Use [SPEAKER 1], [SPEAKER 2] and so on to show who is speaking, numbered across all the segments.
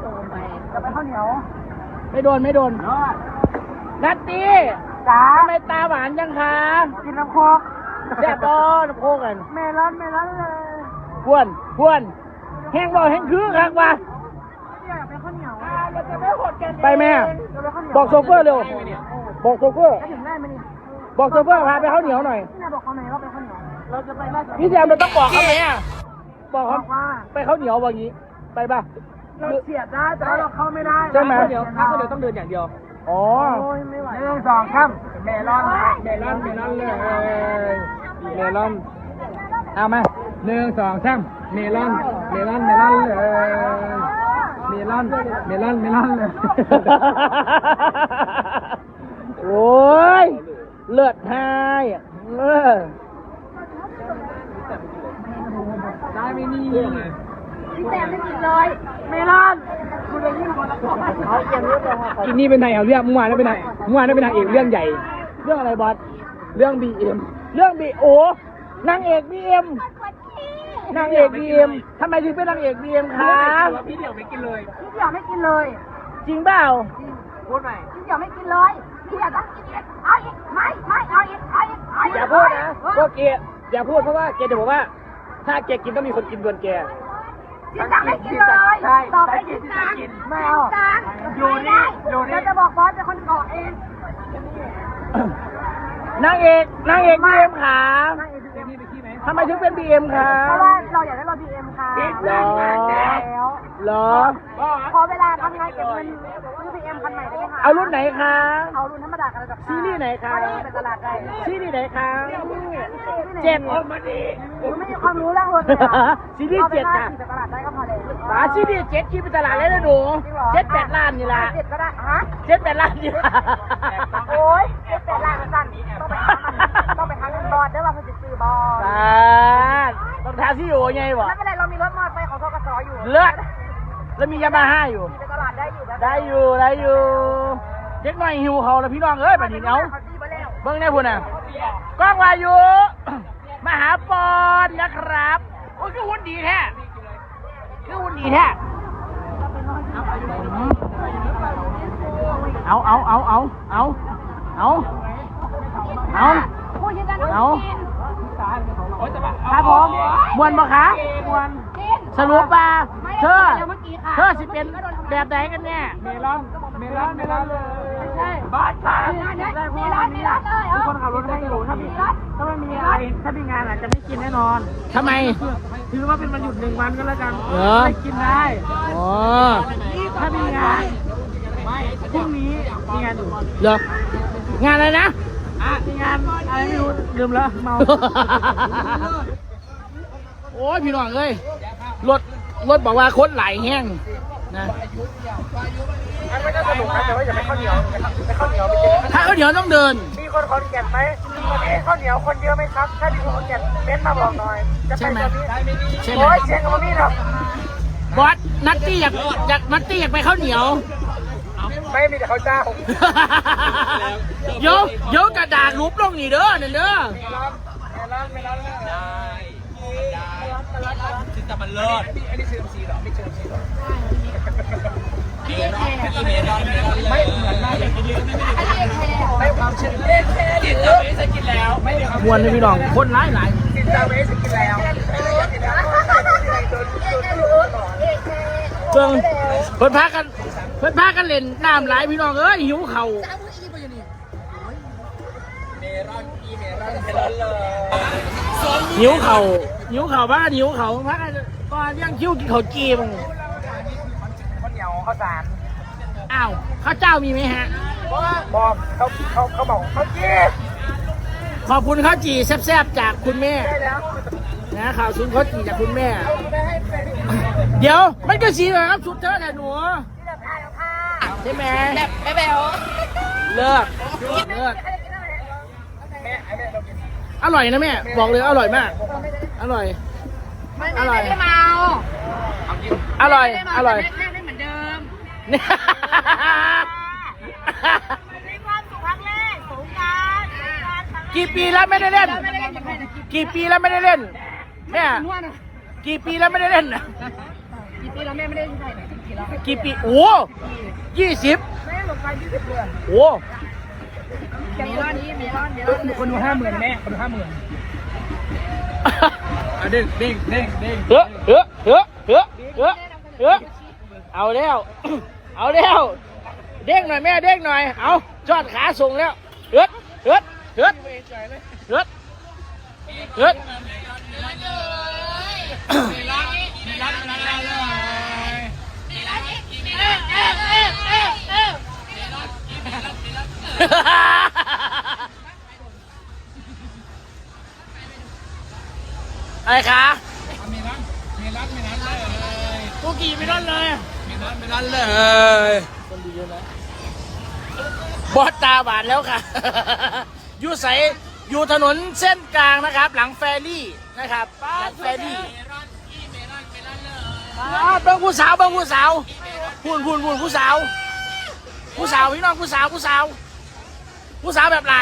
[SPEAKER 1] ไปจะไปข้าวเหนียว
[SPEAKER 2] ไม่โดนนัตตี้
[SPEAKER 1] จ้า
[SPEAKER 2] ทำไมตาหวานจังคะ
[SPEAKER 1] กินน้ำโคก
[SPEAKER 2] แซ่บต้น้ำโคกัน
[SPEAKER 1] เมลอนเลย
[SPEAKER 2] พวนแห้งบ่แห้งคือคักว่ะ
[SPEAKER 1] อยากไปข้าวเหนียวเราจะไปหดกัน
[SPEAKER 2] ไปแม่
[SPEAKER 1] จะไปข้าวเหนียว
[SPEAKER 2] บอกโซเฟอร์เร็วบอกโซเฟอร์
[SPEAKER 1] จะถึงได้ไหมนี่
[SPEAKER 2] บอกโซเฟอร์พาไปข้าวเหนียวหน่อย
[SPEAKER 1] นี่บอกเขาไหนว่าไปข้าวเหนียวเราจะไปราช
[SPEAKER 2] พี่แซมเราต้องบอกเขาไหมอ่ะบอก
[SPEAKER 1] บ
[SPEAKER 2] เขา
[SPEAKER 1] อกว่า
[SPEAKER 2] ไปข้าวเหนียวว่างี้ไปป่ะ
[SPEAKER 1] เราเสียดได้แต่เราเข้าไม่ได้
[SPEAKER 2] ใช่ไหม
[SPEAKER 1] ถ้าข้าวเหนียวต้องเดินอย่างเดียว
[SPEAKER 2] อ๋อ
[SPEAKER 1] โอ้ยไม่ไหว1 2 3เมลอนเลย
[SPEAKER 2] เมลอนเอามา1 2 3เมลอนเลยเมลอนเลย โอ้ยเลือดหายได้ไหมนี่
[SPEAKER 1] พี่แซมไม่กินเลยเมลอนคุณเลยยิ่งคนละของเขาเกี่ยวเรื่อง
[SPEAKER 2] กินนี่เป็นไงเอาเรื่องเมื่อวานนั้นเป็นไงเมื่อวานนั้นเป็นนางเอกเรื่องใหญ่ เรื่องอะไรบอสเรื่อง BM เรื่องโอนางเอก BM นางเอก BM ทำไมถึงเป็นนางเอก BM คะพี่เดี่ยวไม่กินเลย
[SPEAKER 1] พี่เดี่ยวไม่กินเลย
[SPEAKER 2] จริงเปล่า
[SPEAKER 1] พูดใหม่พี่เดี่ยวไม่กินเลยพี่เดี่ยวต้องกินอีกเอาอีกไม่เอาอีก
[SPEAKER 2] อย่าพูดนะก็เกอย่าพูดเพราะว่าเกจะบอกว่า ถ้าแกกินต้องมีคนกินก่อนแก
[SPEAKER 1] พี่จังไม่กินเลยต่อไปกินจังไม่เอาอยู่นี่เราจะบอกบอสเป็นคนก่อเอง
[SPEAKER 2] นางเอก BM ขาทำไมถึงเป็น BM คะ
[SPEAKER 1] เพราะว่าเราอยากได้รถ BM ค่ะ
[SPEAKER 2] เหรอ
[SPEAKER 1] พอเวลาทำงานเก็บเงินซื้อ BM คันใหม่ได้ไหมคะ
[SPEAKER 2] เอารุ่นไหนคะ
[SPEAKER 1] เอารุ่นธรรมดากันเลยกับ
[SPEAKER 2] ซีรีส์ไหนคะ
[SPEAKER 1] เป็นตลาดได้
[SPEAKER 2] ซีรีส์ไหนคะ
[SPEAKER 1] เจ็ดไม่มีความรู้เรื่องรถเลย
[SPEAKER 2] ซีรีส์7ค่ะ
[SPEAKER 1] ไปตลาดได้ก็พอเลย
[SPEAKER 2] ซีรีส์7คิดเป็นตลาดเลยนะหนู7-8 ล้านนี่ละ
[SPEAKER 1] เจ็ดก็ได้ฮะ
[SPEAKER 2] 7-8 ล้านนี่ละ
[SPEAKER 1] โอ้ย7-8 ล้านสั่นต้องไปทางเงินบอสได้ว่าเขาจะซื้อบอส
[SPEAKER 2] ต้องทาซี่อยู่ไงวะ
[SPEAKER 1] ไม่เป็นไรเรามีรถมอเตอร์ไซค์ของทกสอยู่
[SPEAKER 2] เลือดแล้วมียามาฮ่าอยู่
[SPEAKER 1] ไปตลาดได้อยู่
[SPEAKER 2] ได้อยู่เด็กหน่อยหิวเขาแล้วพี่น้องเอ้ยแบบนี้เอาเบิ้งแน่พุ่นน่ะกล้องวายุมหาปอนนะครับโอ้ยคือหุ่นดีแท้เอาครับผมมวนบ่คะมวนสรุปป่ะเธอสิเป็นแบบไหนกันเนี่ยเมลอนเลยใช่บ้าตาได้พวกนี้ทุกคนขับรถให้อยู่ถ้าไม่มีอะไรถ้ามีงานอาจจะไม่กินแน่นอนทำไมถือว่าเป็นวันหยุด1 วันก็แล้วกันไม่กินได้ถ้ามีงานพรุ่งนี้มีงานอยู่เหรองานอะไรนะมีงานอะไรไม่รู้ลืมแล้วเมาโอ้ยพี่น้องเอ้ยรถบอกว่าคนไหลแห้งนะไม่ได้สนุกนะแต่ว่าอย่าไปข้าวเหนียวไปข้าวเหนียวไปกินถ้าข้าวเหนียวต้องเดินมีคนขอนแก่นไหมวันนี้ข้าวเหนียวคนเยอะไหมครับถ้ามีคนขอนแก่นเม้นมาบอกหน่อยจะไปตอนนี้โอ้ยเชียงกับพี่ครับบอสนัตตี้อยากไปข้าวเหนียวไม่มีแต่ข้าวเจ้าโยกระดาษรูปลงนี่เด้อนั่นเด้อไม่ร้อนได้ซึ่งแต่มันเลิศอันนี้เชิญซีหรอไม่เชิญซีหรอไม่เหมือนมากเลยไม่ความเชื่อเล่นแค่ดิเจ้าเวสกินแล้วมวนเลยพี่น้องคนหลายดิเจ้าเวสกินแล้วเพิ่นพากันเล่นน้ำหลายพี่น้องเอ้ยหิวเข่าหิวเข่าบ้านหิวเข่าพักก็เลี้ยงคิ้วกินข้าวจีมึงข้าวเหนียวข้าวสารอ้าวข้าวเจ้ามีไหมฮะบอกเขาบอกข้าวจีขอบคุณข้าวจีแซ่บๆจากคุณแม่นะข่าวซุนข้าวจีจากคุณแม่เดี๋ยวมันก็สีแบบครับชุดเธอแต่หนูใช่ไหมแบบแบ๊วเลิกอร่อยนะแม่บอกเลยอร่อยมากอร่อยไม่ได้เมาอร่อยแค่ได้เหมือนเดิมมีความสุขครั้งแรกสงกรานต์กี่ปีแล้วไม่ได้เล่นกี่ปีแล้วไม่ได้เล่นแม่กี่ปีแล้วไม่ได้เล่นกี่ปีแล้วแม่ไม่ได้เล่นที่ไหนกี่ปีโอ้20
[SPEAKER 1] แม่ลงไป20 เดือน
[SPEAKER 2] โอ้
[SPEAKER 1] มีร้อนคนดู50,000แม่คนดู50,000เด้ง
[SPEAKER 2] เอาแล้วเอาแล้วเด้งหน่อยแม่เด้งหน่อยเอาจอดขาส่งแล้วเฮ็ดอะไรคะไม่รันเลยกูกี่ไม่รันเลยคนดูเยอะนะบอสตาบานแล้วค่ะ อยู่ใสอยู่ถนนเส้นกลางนะครับ หลังแฟรี่นะครับหลังแฟรี่เบิ้งผู้สาวพูนผู้สาวพี่น้องผู้สาวแบบไหน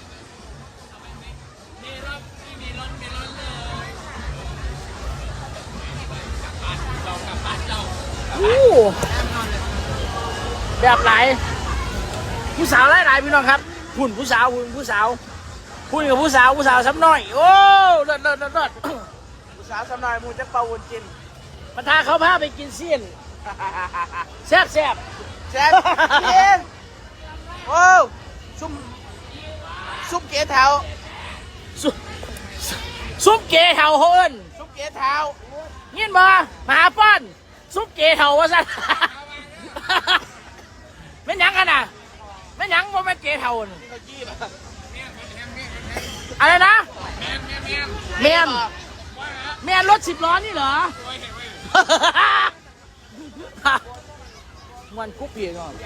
[SPEAKER 2] แบบไหนผู้สาวหลายพี่น้องครับหุ่นผู้สาวหุ่นกับผู้สาวซ้ำหน่อยโอ้เลิศผู้สาวซ้ำหน่อยมูจะเป่าวนกินมาทาเขาพาไปกินเสี้ยนแซ่บกินโอ้ซุปเก๋เท้าซุปเก๋เท้าเฮิร์นซุปเก๋เท้าเงี้ยมาหาป้อนซุปเก๋เท้าวะสันไม่ยังกันอ่ะไม่ยังว่าไม่เก๋เท่าอะไรนะแมนรถ10 ล้อนี่เหรอมันคุกเพียงก่อน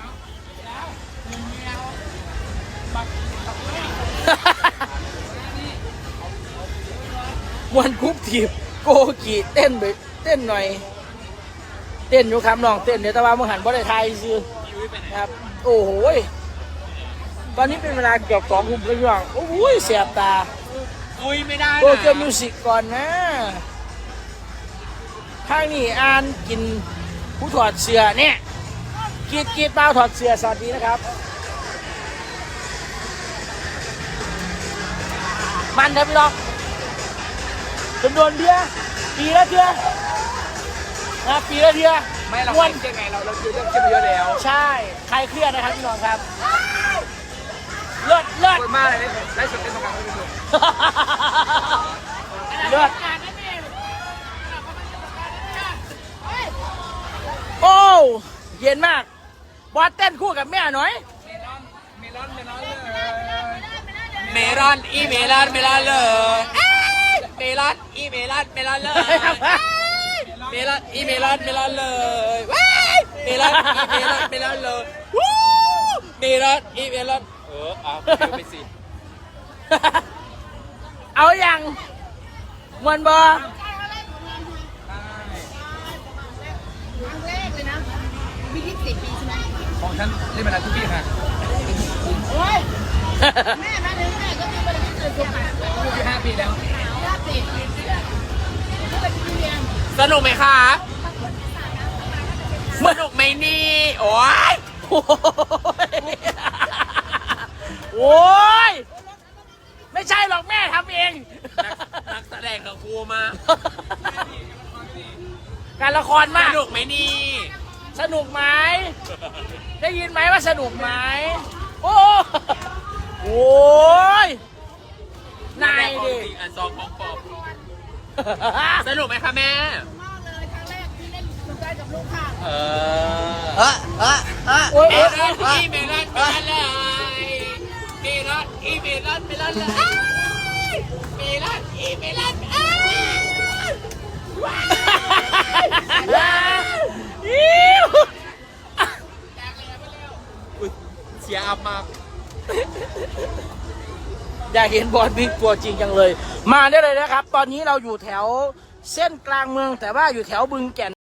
[SPEAKER 2] มันคุกถีบโกกีเต้นไปเต้นหน่อยเต้นอยู่ครับน้องเต้นเดี๋ยวตะวันมึงหันบ่ได้ทายซื้อครับโอ้โหตอนนี้เป็นเวลาเกือบ2 ทุ่มแล้วย่างโอ้โหเสียบตา
[SPEAKER 3] ไม่ได้
[SPEAKER 2] โตเกียวมิวสิกก่อนนะข้างนี้อ่านกินผู้ถอดเสื้อเนี่ยกีดเปล่าถอดเสื้อสวัสดีนะครับมันครับพี่น้องจำนวนเบียร์ปีละเทื่อนะปีละเทื่อ
[SPEAKER 3] ไม่เราเชื่อไงเราเชื่อเรื่องเยอะแล้ว
[SPEAKER 2] ใช่ใครเครียดนะครับพี่น้องครับเลิศ
[SPEAKER 3] คนมากเลยได้สุดได้สงการได้สุด
[SPEAKER 2] เลิศโอ้เย็นมากบอสเต้นคู่กับแม่หน่อย
[SPEAKER 3] เมลอนเลยเมลอนเลยเมลอนเลยเมลอนเมลอนเลยเมลอนเมลอนเลยเมลอนเมลอนเลยเมลอนเอาไปสิ
[SPEAKER 2] เอาอย่างมันบอ
[SPEAKER 1] ครั้งแรกเลยนะมี20 ปีใช่ไหม
[SPEAKER 3] ของฉันเล่นมานานทุกปีค่ะ
[SPEAKER 1] โอ้ยแม่มาถึงแม่ก็มีบริษัทเลยค่ะ
[SPEAKER 3] อยู่5 ปีแล้ว
[SPEAKER 1] สนุกไหมคะ
[SPEAKER 3] สนุกไหมนี่โอ้ย
[SPEAKER 2] โอ้ยไม่ใช่หรอกแม่ทำเอง
[SPEAKER 3] นักแสดงกับครูมา
[SPEAKER 2] การละครมาก
[SPEAKER 3] สนุกไหมนี่
[SPEAKER 2] สนุกไหมได้ยินไหมว่าสนุกไหมโอ้ยนายดิ
[SPEAKER 3] อันซองของปอบสนุกไหมคะแม่
[SPEAKER 1] มากเลยครั้งแรกที่เล่นสนใจกับลูกค่ะ
[SPEAKER 3] เมลอนเมลอนเลยเมลอนเมลอนเมลอนเลยเมลอนเมลอนเสียอับมาก
[SPEAKER 2] อยากเห็นบอสบิ๊กตัวจริงจังเลยมาได้เลยนะครับตอนนี้เราอยู่แถวเส้นกลางเมืองแต่ว่าอยู่แถวบึงแก่น